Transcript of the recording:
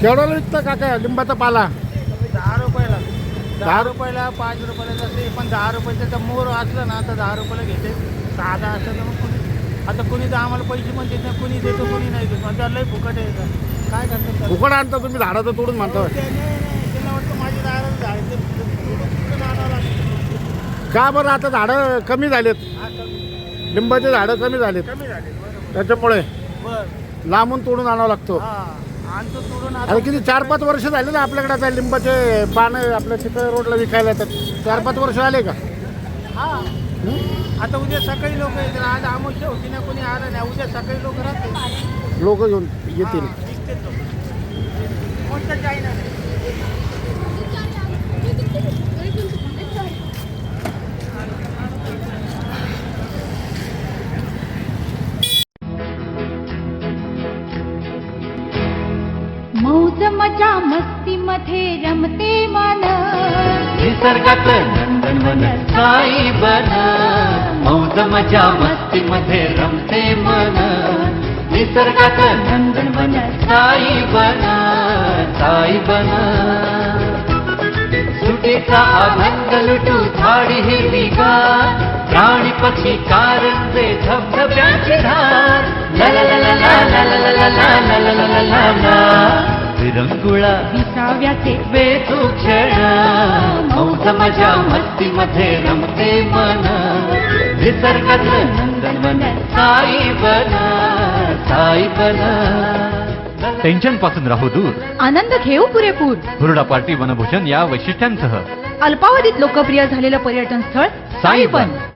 केवढ्याला विकतं काका लिंबाचा पाला? 10 रुपयाला. 10 10 रुपयाला 5 रुपयाला जाते, पण 10 रुपयाचं मोर असलं ना तर 10 रुपयाला घेते. साधा असं तर मग आता कुणी तर आम्हाला पैसे पण देत नाही, कुणी देतो कुणी नाही देत. म्हणजे लय फुकट आहे का? काय करतात? फुकट आणता तुम्ही झाडाचं तोडून म्हणता? त्यांना वाटतं माझी दारात झाड ते तोडून आणावं लागतं. का बरं आता झाडं कमी झालेत? हा, लिंबाचे झाडं कमी झालेत कमी झाले बरोबर. त्याच्यामुळे बरं लांबून तोडून आणावं लागतो. हा आणतो तोडून आता किती 4-5 वर्ष झाले ना आपल्याकडे आता लिंबाचे पानं आपल्या चिखल रोडला विकायला येतात. 4-5 वर्ष आले का? हा. हं? आता उद्या सकाळी लोक येतील. आज आमुष्य होती ना, कोणी आलं नाही. उद्या सकाळी लोक राहतील. लोक घेऊन येतील. हा, निघतील लोक. कोणतं काही नाही. मौज मजा मस्ती मध्ये रमते मन, निसर्गात नंदनवन साई बन. मौज मजा मस्ती मध्ये रमते मन, निसर्गात नंदनवन साई बन. साई बन सुटीचा आनंद लुटू झाडी हिरवीगार, प्राणी पक्षी कारंजे धबधब्यांची धार. ला ला ला ला ला ला ला ला ला ला ला ला ला ला ला. विरंगुळा विसाव्याचे वेचू क्षण, मौज मजा मस्ती मध्ये रमते मन. निसर्गात नंदनवन साई बन. साई बन. टेन्शन पासून राहू दूर, आनंद घेऊ पुरेपूर. हुरडा पार्टी वनभूषण या वैशिष्ट्यांसह अल्पावधीत लोकप्रिय झालेलं पर्यटन स्थळ साईबन.